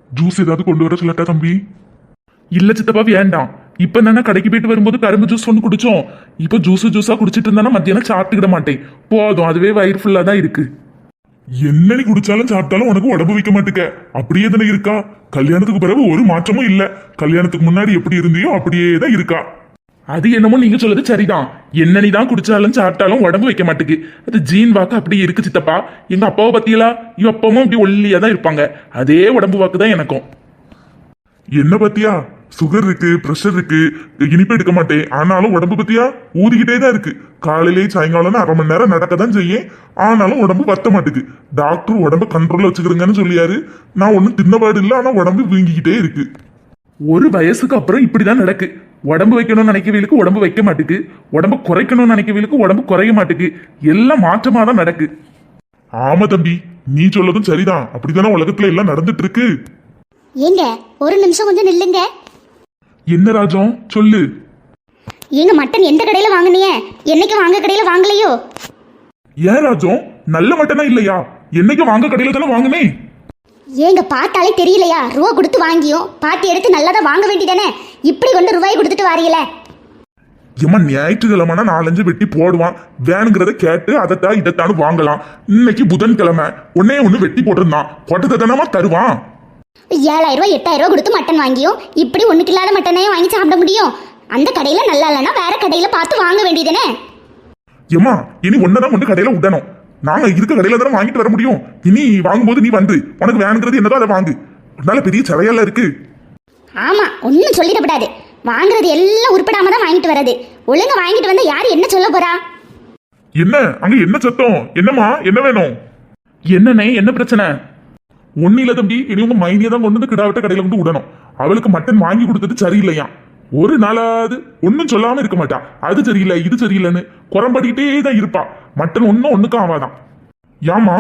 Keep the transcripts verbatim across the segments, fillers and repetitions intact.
Juice ஏதாவது கொண்டு வர சொல்லட்டா தம்பி? இல்ல சித்தப்பா வேண்டாம். இப்ப நானே கடைக்கு போயிட்டு வரும்போது கரும்பு ஜூஸ் ஒன்று குடிச்சோம். இப்ப ஜூஸ் ஜூஸா குடிச்சிட்டு இருந்தானா மத்தியானம் சாப்பிட்டுக்கிட மாட்டேன். போதும், அதுவே வயிறு ஃபுல்லா தான் இருக்கு. என்ன நீ குடிச்சாலும் சாப்பிட்டாலும் உனக்கு உடம்பு வைக்க மாட்டுக்க. அப்படியே தானே இருக்கா? கல்யாணத்துக்கு பிறகு ஒரு மாற்றமும் இல்ல. கல்யாணத்துக்கு முன்னாடி எப்படி இருந்தியோ அப்படியே தான் இருக்கா. அது என்னமோ நீங்க சொல்றது சரிதான். என்ன நீ தான் குடிச்சாலும் சாப்பிட்டாலும் உடம்பு வைக்க மாட்டுக்கு. அது ஜீன் வாக்கு அப்படி இருக்கு சித்தப்பா. எங்க அப்பாவை பத்தியலா இவ அப்பவும் இப்படி ஒல்லியா தான் இருப்பாங்க. அதே உடம்பு வாக்கு தான் எனக்கும். என்ன பத்தியா? சுகர் இருக்கு, பிரஷர் இருக்கு, இனிப்பு எடுக்க மாட்டேன், ஆனாலும் உடம்பு பத்தியா ஊதிக்கிட்டே தான் இருக்கு. காலையிலேயே சாயங்காலம் அரை மணி நேரம் நடக்க தான் செய்யும், ஆனாலும் உடம்பு வத்த மாட்டுக்கு. டாக்டர் உடம்பு கண்ட்ரோல்ல வச்சுக்கிறீங்கன்னு சொல்லியாரு. நான் ஒன்னும் தின்னபாடு இல்லை, ஆனா உடம்பு வீங்கிக்கிட்டே இருக்கு. ஒரு வயசுக்கு அப்புறம் இப்படிதான் நடக்கு. உடம்பு வைக்கணும்னு நினைக்கவீலுக்கு உடம்பு வைக்க மாட்டுக்கு, உடம்பு குறைக்கணும்னு நினைக்கவீலுக்கு உடம்பு குறைய மாட்டுக்கு. எல்லாம் மாற்றமா தான் நடக்கு. ஆமா தம்பி, நீ சொல்லதும் சரிதான். அப்படித்தானே உலகத்துல எல்லாம் நடந்துட்டு இருக்கு. ஏங்க ஒரு நிமிஷம் கொஞ்சம் நில்லுங்க. என்ன ராஜம் சொல்லு. ஏங்க மட்டன் எந்த கடையில வாங்குனீங்க? என்னைக்கு வாங்க கடையில வாங்கலையோ? ஏன் ராஜம், நல்ல மட்டனா இல்லையா? என்னைக்கு வாங்க கடையில தானே வாங்குனே. ஏங்க பார்த்தாலே தெரியலையா? ரூபா கொடுத்து வாங்கியும் பார்த்து எடுத்து நல்லதா வாங்க வேண்டியதானே. இப்படி கொண்டு ரூபாய் கொடுத்துட்டு வாரியல. ஏமா ஞாயிற்றுக்கிழமைனா நாலஞ்சு வெட்டி போடுவான். வேணுங்கிறத கேட்டு அதைத்தான் இதைத்தானு வாங்கலாம். இன்னைக்கு புதன்கிழமை ஒன்னே ஒண்ணு வெட்டி போட்டிருந்தான். போட்டதை தானமா தருவான். ஏழாயிரம் ரூபாய் எட்டாயிரம் ரூபாய் கொடுத்து மட்டன் வாங்கியும் இப்படி ஒண்ணுக்கு இல்லாத மட்டனையும் வாங்கி சாப்பிட முடியும்? அந்த கடையில நல்லா இல்லைன்னா வேற கடையில பார்த்து வாங்க வேண்டியதானே. ஏமா இனி ஒன்னதான் கொண்டு கடையில விடணும். நாங்க இருக்க கடையில தானே வாங்கிட்டு வர முடியும். இனி வாங்கும்போது நீ வந்து உனக்கு வேணுங்கிறது என்னதோ அதை வாங்கு. நல்ல பெரிய சிலையெல்லாம் இருக்கு. ஆமா, ஒன்னும் சொல்லிடப்படாது. வாங்குறது எல்லாம் உருப்படாம தான் வாங்கிட்டு வர்றது. ஒழுங்கா வாங்கிட்டு வந்தா யாரு என்ன சொல்ல போறா? என்ன அங்க என்ன சத்தம்? என்னம்மா, என்ன வேணும்? என்னண்ணே, என்ன பிரச்சனை? ஒன்னும் இல்ல தம்பி, இனி உங்க மைனியை தான் கொண்டு வந்து கிடாவிட்ட கடையில வந்து விடணும். அவளுக்கு மட்டன் வாங்கி கொடுத்தது சரியில்லையா? ஒரு நாளாவது ஒன்னும் சொல்லாம இருக்க மாட்டா. அது சரியில்லை இது சரியில்லைன்னு குறம்படிக்கிட்டே தான் இருப்பா. மட்டன் ஒன்னும் ஒண்ணுக்கும் ஆவாதான். ஏமா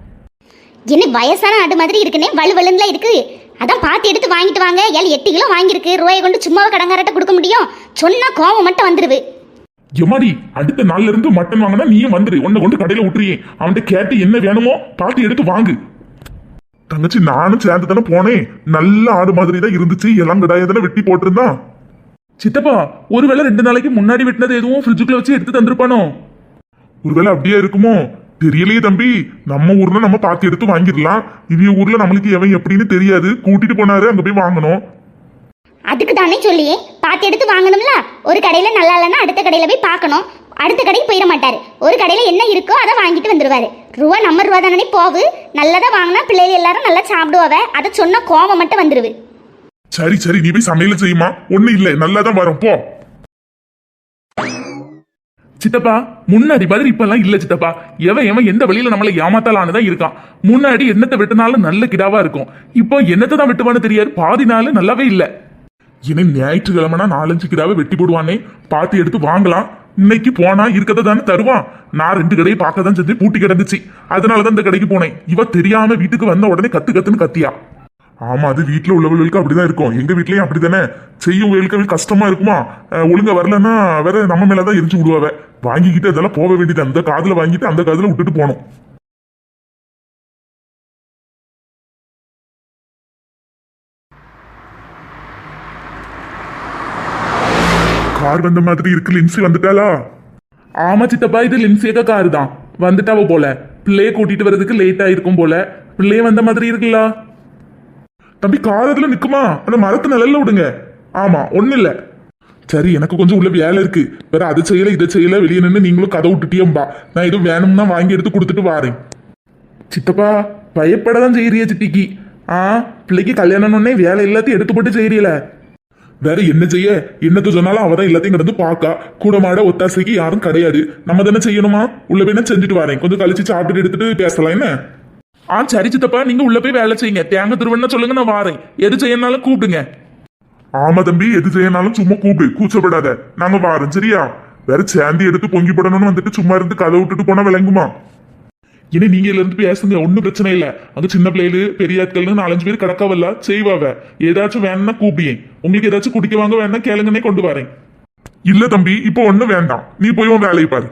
என்ன வயசான ஆடு மாதிரி இருக்குன்னே, வலு வலுன்னுல இருக்கு. அதான் பார்த்து எடுத்து வாங்கிட்டு வாங்க. ஏழு எட்டு கிலோ வாங்கியிருக்கு. ரூபாயை கொண்டு சும்மாவை கடங்காரட்ட கொடுக்க முடியும்? சொன்னா கோவம் மட்டும் வந்துருவு. எம்மாடி, அடுத்த நாள்ல இருந்து மட்டன் வாங்கினா நீயும் வந்துரு. உன்னை கொண்டு கடையில விட்டுறியே. அவன்கிட்ட கேட்டு என்ன வேணுமோ பார்த்து எடுத்து வாங்கு. தங்கச்சி நானும் சேர்ந்து தானே போனேன். நல்ல ஆடு மாதிரி தான் இருந்துச்சு. எல்லாம் கிடாயதானே வெட்டி போட்டிருந்தான். சித்தப்பா ஒருவேளை ரெண்டு நாளைக்கு முன்னாடி வெட்டினது எதுவும் ஃப்ரிட்ஜுக்குள்ள வச்சு எடுத்து தந்திருப்பானோ? ஒருவேளை அப்படியே இருக்குமோ தெரியலையே தம்பி. நம்ம ஊர்ல நம்ம பார்த்து எடுத்து வாங்கிடலாம். இவங்க ஊர்ல நம்மளுக்கு எவன் எப்படின்னு தெரியாது. கூட்டிட்டு போனாரு, அங்க போய் வாங்கணும். அதுக்கு தானே சொல்லியே பார்த்து எடுத்து வாங்கணும்ல. ஒரு கடையில நல்லா இல்லைன்னா அடுத்த கடையில போய் பார்க்கணும். அடுத்த கடைக்கு போயிட மாட்டாரு. ஒரு கடையில என்ன இருக்கோ அதை வாங்கிட்டு வந்துருவாரு. ரூபா நம்ம ரூபா தானே போவு. நல்லதா வாங்கினா பிள்ளைகள் எல்லாரும் நல்லா சாப்பிடுவாவ. அதை சொன்னா கோவம் மட்டும் வந்துருவு. சரி சரி, நீ போய் சமையல செய்யுமா. ஒண்ணு இல்லை, நல்லாதான் வரும் போ. சித்தப்பா முன்னாடி மாதிரி இப்ப எல்லாம் இல்ல சித்தப்பா. எவன் எவன் எந்த வழியில நம்மளை ஏமாத்தலான்னுதான் இருக்கான். முன்னாடி என்னத்தை வெட்டினாலும் நல்ல கிடாவா இருக்கும். இப்போ என்னத்தை தான் வெட்டுவான்னு தெரியாது. பாதி நாள் நல்லாவே இல்ல. இனி ஞாயிற்றுக்கிழமைனா நாலஞ்சு கிடாவை வெட்டி போடுவானே, பார்த்து எடுத்து வாங்கலாம். இன்னைக்கு போனா இருக்கதை தானே தருவான். நான் ரெண்டு கடையை பார்க்க தான் செஞ்சு பூட்டி கிடந்துச்சு. அதனாலதான் இந்த கடைக்கு போனேன். இவ தெரியாம வீட்டுக்கு வந்த உடனே கத்து கத்துன்னு கத்தியா. ஆமா, அது வீட்டுல உள்ளவர்களுக்கு அப்படிதான் இருக்கும். எங்க வீட்லயும் அப்படித்தானே செய்யும். வேலுக்கு கஷ்டமா இருக்குமா? ஒழுங்கா வரலன்னா வேற நம்ம மேலதான் எரிஞ்சு விடுவாவ. வாங்கிக்கிட்டு அதெல்லாம் போக வேண்டியது. அந்த காதுல வாங்கிட்டு அந்த காதுல விட்டுட்டு போனோம். கார் வந்த மாதிரி இருக்கு. லின்சி வந்துட்டாளா? ஆமா சித்தப்பா, இது லின்சியக்கா காரு தான். வந்துட்டாவ போல. பிள்ளைய கூட்டிட்டு வர்றதுக்கு லேட் ஆயிருக்கும் போல. பிள்ளைய வந்த மாதிரி இருக்குல்ல. தம்பி கார் அதுல நிக்குமா? அந்த மரத்து நிழல்ல விடுங்க. ஆமா, ஒண்ணு இல்ல. சரி, எனக்கு கொஞ்சம் உள்ள வேலை இருக்கு. வேற அது செய்யல இதை செய்யல. வெளியே நின்று நீங்களும் கதை விட்டுட்டியம்பா. நான் எதுவும் வேணும்னா வாங்கி எடுத்து கொடுத்துட்டு வாரேன். சித்தப்பா பயப்படதான் செய்யறிய சித்திக்கு. ஆ பிள்ளைக்கு கல்யாணம்னே வேலை எல்லாத்தையும் எடுத்து போட்டு செய்யறீல. வேற என்ன செய்ய? என்னத்த சொன்னாலும் அவதான் எல்லாத்தையும் கிடந்து பாக்கா. கூட மாட ஒத்தாசைக்கு யாரும் கிடையாது. நம்ம தானே செய்யணுமா? உள்ள போய் நான் செஞ்சுட்டு வரேன். கொஞ்சம் கழிச்சு சாப்பிட்டு எடுத்துட்டு பேசலாம். என்ன? ஆ சரி சித்தப்பா, நீங்க உள்ள போய் வேலை செய்யுங்க. தேங்க திருவண்ணா சொல்லுங்க, நான் வாரேன். எது செய்யனாலும் கூப்பிடுங்க. ஆமா தம்பி, எது செய்யனாலும் சும்மா கூப்பிடு, கூச்சப்படாத. நாங்க வாரோம் சரியா? வேற சேர்ந்து எடுத்து பொங்கி போடணும்னு வந்துட்டு சும்மா இருந்து கதை விட்டுட்டு போனா விளங்குமா? இனி நீங்க இதுல இருந்து பேசுங்க, ஒன்னும் பிரச்சனை இல்ல. அங்க சின்ன பிள்ளைகளு பெரிய ஆட்கள்னு நாலஞ்சு பேர் கிடக்காவல்ல, செய்வாவ. ஏதாச்சும் வேணும்னா கூப்பியேன். உங்களுக்கு ஏதாச்சும் குடிக்க வாங்க வேணா கேளுங்கன்னே கொண்டு வரேன். இல்ல தம்பி, இப்போ ஒண்ணும் வேண்டாம். நீ போய் உன் வேலையை பாரு.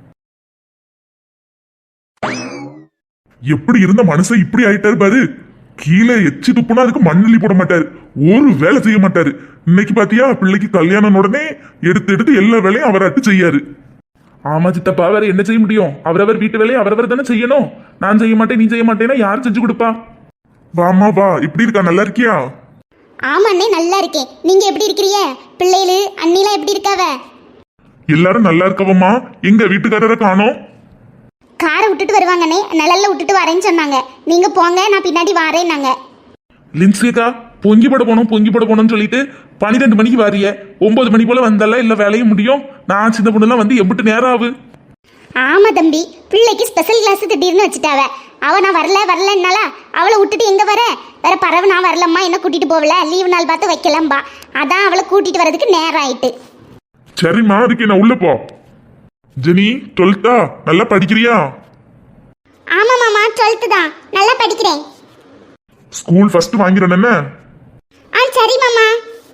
எப்படி இருந்த மனுஷன் இப்படி ஆயிட்டாரு பாரு. கீழே எச்சி துப்புனா அதுக்கு மண்ணள்ளி போட மாட்டாரு, ஒரு வேலை செய்ய மாட்டாரு. இன்னைக்கு பாத்தியா பிள்ளைக்கு கல்யாணம் உடனே எடுத்து எடுத்து எல்லா வேலையும் அவராட்டு செய்யாரு. ஆமா சித்தப்பா, வேற என்ன செய்ய முடியும்? அவரவர் வீட்டு வேலையை அவரவர் தானே செய்யணும். நான் செய்ய மாட்டேன் நீ செய்ய மாட்டேன்னா யார் செஞ்சு கொடுப்பா? வாமா வா, இப்படி இருக்கா, நல்லா இருக்கியா? ஆமா அண்ணே, நல்லா இருக்கேன். நீங்க எப்படி இருக்கிறீங்க? பிள்ளைகளு அண்ணிலாம் எப்படி இருக்காவ? எல்லாரும் நல்லா இருக்கவம்மா. எங்க வீட்டுக்காரரை காணோம்? காரை விட்டுட்டு வருவாங்கண்ணே, நிழல்ல விட்டுட்டு வரேன்னு சொன்னாங்க. நீங்க போங்க, நான் பின்னாடி வரேன்னாங்க. லின்சியக்கா, பொங்கி போட போனோம் பொங்கி போட போனோம்னு சொல்லிட்டு பன்னிரெண்டு மணிக்கு வாரிய, ஒன்பது மணி போல வந்தால இல்ல வேலையும் முடியும். நான் சின்ன பொண்ணுலாம் வந்து எம்பிட்டு நேரம் ஆகு? ஆமா தம்பி, பிள்ளைக்கு ஸ்பெஷல் கிளாஸ் திடீர்னு வச்சுட்டாவ. அவ நான் வரல வரலன்னால அவளை விட்டுட்டு எங்க வர? வேற பறவை நான் வரலம்மா, என்ன கூட்டிட்டு போகல, லீவு நாள் பார்த்து வைக்கலம்பா. அதான் அவளை கூட்டிட்டு வரதுக்கு நேரம் ஆயிட்டு. சரிம்மா, அதுக்கு நான் உள்ள போ. ஜெனி டுவெல்த்தா, நல்லா படிக்கிறியா? ஆமா மாமா, டுவெல்த்து தான், நல்லா படிக்கிறேன். ஸ்கூல் ஃபர்ஸ்ட் வாங்கிறேன் என்ன? ஆ சரி மாமா.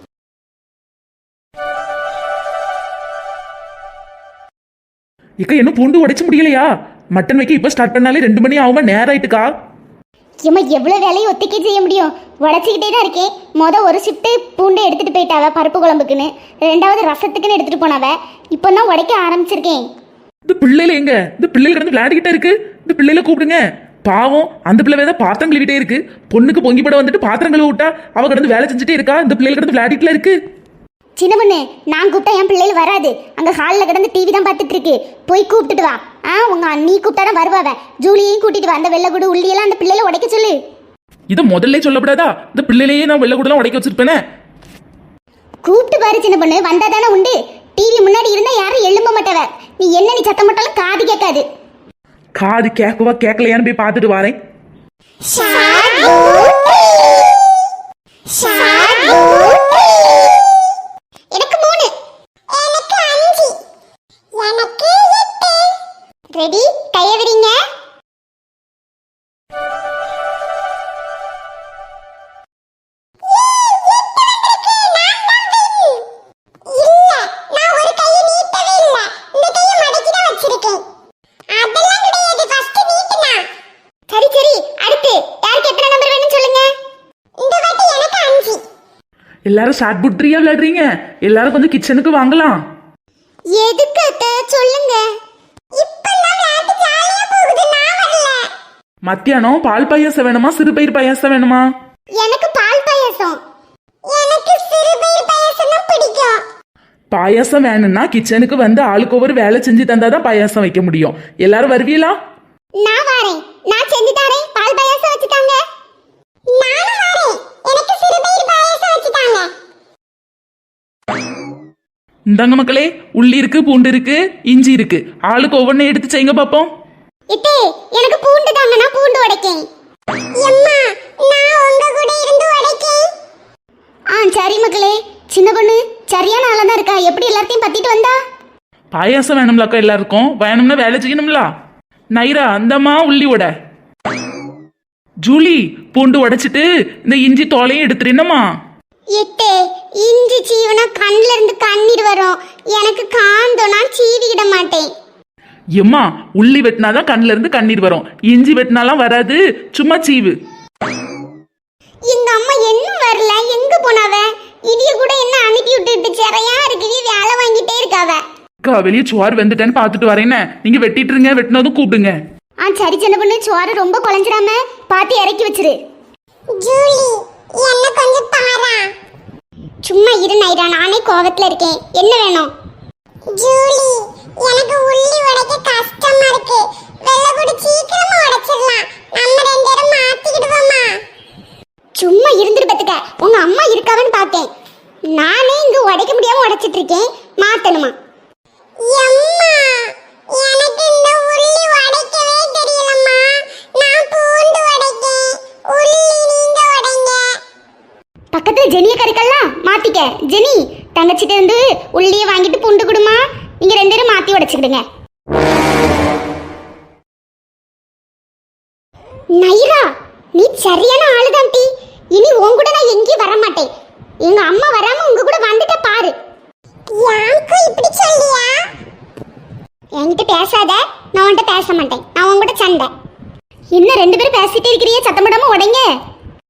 இக்கா என்ன பூண்டு உடைச்சு முடியலையா? மட்டன் வைக்க இப்ப ஸ்டார்ட் பண்ணாலே ரெண்டு மணி ஆகுமா? நேரம் ஆயிட்டுக்கா. ஏம்மா எவ்வளோ வேலையை ஒத்திக்கே செய்ய முடியும்? உடச்சிக்கிட்டே தான் இருக்கேன். மொதல் ஒரு ஷிஃப்ட்டு பூண்டை எடுத்துகிட்டு போயிட்டாவ பருப்பு குழம்புக்குன்னு, ரெண்டாவது ரசத்துக்குன்னு எடுத்துகிட்டு போனாவ. இப்போ தான் உடைக்க ஆரம்பிச்சிருக்கேன். இந்த பிள்ளைல எங்க? இந்த பிள்ளைல கிடந்து விளையாடிக்கிட்டே இருக்கு. இந்த பிள்ளைல கூப்பிடுங்க. பாவம், அந்த பிள்ளை தான் பாத்திரம் கழுவிட்டே இருக்கு. பொண்ணுக்கு பொங்கி படம் வந்துட்டு பாத்திரம் கழுவி விட்டா அவ கிடந்து வேலை செஞ்சுட்டே இருக்கா. இந்த பிள்ளைல கிடந்து விளையாடிட்டுல இருக்கு. சின்ன பொண்ணு, நான் கூப்பிட்டா என் பிள்ளைகள் வராது. அங்கே ஹாலில் கிடந்து டிவி தான் பார்த்துட்டு இருக்கு. போய் கூப்பிட்டுட்டு வா. ஆ உங்க அண்ணி கூப்பிட்டா தான் வருவாவ. ஜூலியையும் கூட்டிட்டு வா. அந்த வெள்ளைக்கூடு உள்ளியெல்லாம் அந்த பிள்ளைல உடைக்க சொல்லு. இதை முதல்ல சொல்லப்படாதா? இந்த பிள்ளையிலேயே நான் வெள்ளை கூடலாம் உடைக்க வச்சிருப்பேனே. கூப்பிட்டு பாரு சின்ன பொண்ணு, வந்தா தானே உண்டு. டிவி முன்னாடி இருந்தா யாரும் எழும்ப மாட்டவ. நீ என்ன நீ சத்தம் போட்டாலும் காது கேட்காது. காது கேட்கவா கேட்கலையான்னு போய் பார்த்துட்டு வரேன். எனக்கு மூணு, எனக்கு அஞ்சு, எனக்கு எட்டு. ரெடி, கைய விடுங்க. எல்லாரும் ஷார்ட் புட்ரியா விளையாடுறீங்க. எல்லாரும் கொஞ்சம் கிச்சனுக்கு வாங்கலாம். எதுக்கு அத்தை சொல்லுங்க? இப்பெல்லாம் விளையாட்டு ஜாலியா போகுது, நான் வரல. மத்தியானம் பால் பாயாசம் வேணுமா சிறுபயிர் பாயாசம் வேணுமா? எனக்கு பால் பாயாசம். எனக்கு சிறுபயிர் பாயாசம் தான் பிடிக்கும். பாயாசம் வேணும்னா கிச்சனுக்கு வந்து ஆளுக்கு ஒவ்வொரு வேலை செஞ்சு தந்தாதான் பாயாசம் வைக்க முடியும். எல்லாரும் வருவீங்களா? நான் வரேன், நான் செஞ்சு தரேன். பால் பாயாசம் வச்சுட்டாங்க. நானும் வரேன், எனக்கு சிறுபயிர் பாயாசம் வச்சுட்டாங்க. இந்தாங்க மக்களே, உள்ளி இருக்கு, பூண்டு இருக்கு, இஞ்சி இருக்கு. ஆளுக்கு ஒவ்வொன்றை எடுத்து செய்யுங்க பாப்போம். இத்தே, எனக்கு பூண்டு தாங்க, நான் பூண்டு உடைக்கேன். அம்மா, நான் உங்க கூட இருந்து உடைக்கேன். ஆ சரி மக்களே. சின்ன பொண்ணு சரியான ஆளா தான் இருக்கா. எப்படி எல்லாத்தையும் பத்திட்டு வந்தா? பாயாசம் வேணும்லாக்கா எல்லாருக்கும். வேணும்னா வேலை செய்யணும்ல. நைரா அந்தம்மா உள்ளி உட. ஜூலி பூண்டு உடைச்சிட்டு இந்த இஞ்சி தோலையும் எடுத்துருந்தம்மா. இத்தே, இஞ்சி சீவனா கண்ணுல இருந்து கண்ணீர் வரும். எனக்கு காந்தோனா சீவிக்கிட மாட்டேன். எம்மா, உள்ளி வெட்டினாதான் கண்ணுல இருந்து கண்ணீர் வரும். இஞ்சி வெட்டினாலாம் வராது, சும்மா சீவு. எங்க அம்மா இன்னும் வரல, எங்க போனாவ? இடிய கூட என்ன அனுப்பி விட்டுட்டு சிறையா இருக்குது, வேலை வாங்கிட்டே இருக்காவ. அக்கா வெளியே சோறு வெந்துட்டேன்னு பார்த்துட்டு வரேன்னு. நீங்க வெட்டிட்டு இருங்க, வெட்டினதும் கூப்பிடுங்க. ஆ சரி சின்ன பொண்ணு, சோறு ரொம்ப குழஞ்சிடாம பார்த்து இறக்கி வச்சிரு. ஜூலி, என்ன கொஞ்சம் பாரா. சும்மா இரு நைரா, நானே கோவத்துல இருக்கேன். என்ன வேணும்? ஜூலி, எனக்கு உள்ளி உடைக்க கஷ்டமா இருக்கு. வெள்ளை சீக்கிரமா உடைச்சிடலாம். நம்ம ரெண்டு பேரும் மாத்திக்கிடுவோமா? சும்மா இருந்துட்டு பத்துக்க. உங்க அம்மா இருக்காவன்னு பார்த்தேன். நானே இங்க உடைக்க முடியாம உடைச்சிட்டு இருக்கேன். மாத்தணுமா? அம்மா, எனக்கு இந்த உள்ளி உடைக்கவே தெரியலம்மா. நான் பூண்டு உடைக்கேன். உள்ளி நீங்க உடைங்க. பக்கத்துல ஜெனிய கறிக்கலாம் மாத்திக்க. ஜெனி, தங்கச்சிட்ட இருந்து உள்ளியை வாங்கிட்டு பூண்டு கொடுமா. நீங்க ரெண்டு பேரும் மாத்தி உடைச்சுக்கிடுங்க. நைரா, நீ சரியான ஆளுதான் டி. இனி உன் கூட நான் எங்கேயும் வர மாட்டேன். எங்க அம்மா வராம உங்க கூட வந்துட்ட பாரு. யாருக்கு இப்படி சொல்லியா? என்கிட்ட பேசாத, நான் உன்கிட்ட பேச மாட்டேன். நான் உன் கூட சண்டை. என்ன ரெண்டு பேரும் பேசிட்டே இருக்கிறீங்க, சத்தம் போடாம உடைங்க.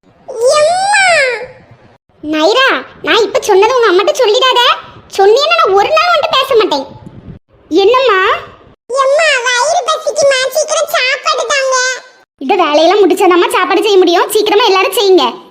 நைரா, நான் இப்ப சொன்னதை உங்க அம்மாட்ட சொல்லிடாத. சொன்னீன்னா நான் ஒரு நாள் வந்து பேச மாட்டேன். என்னம்மா? எம்மா வயிறு பசிக்குமா, சீக்கிரம் சாப்பாடு தாங்க. இந்த வேலையெல்லாம் முடிச்சாதாம்மா சாப்பாடு செய்ய முடியும். சீக்கிரமா எல்லாரும் செய்யுங்க.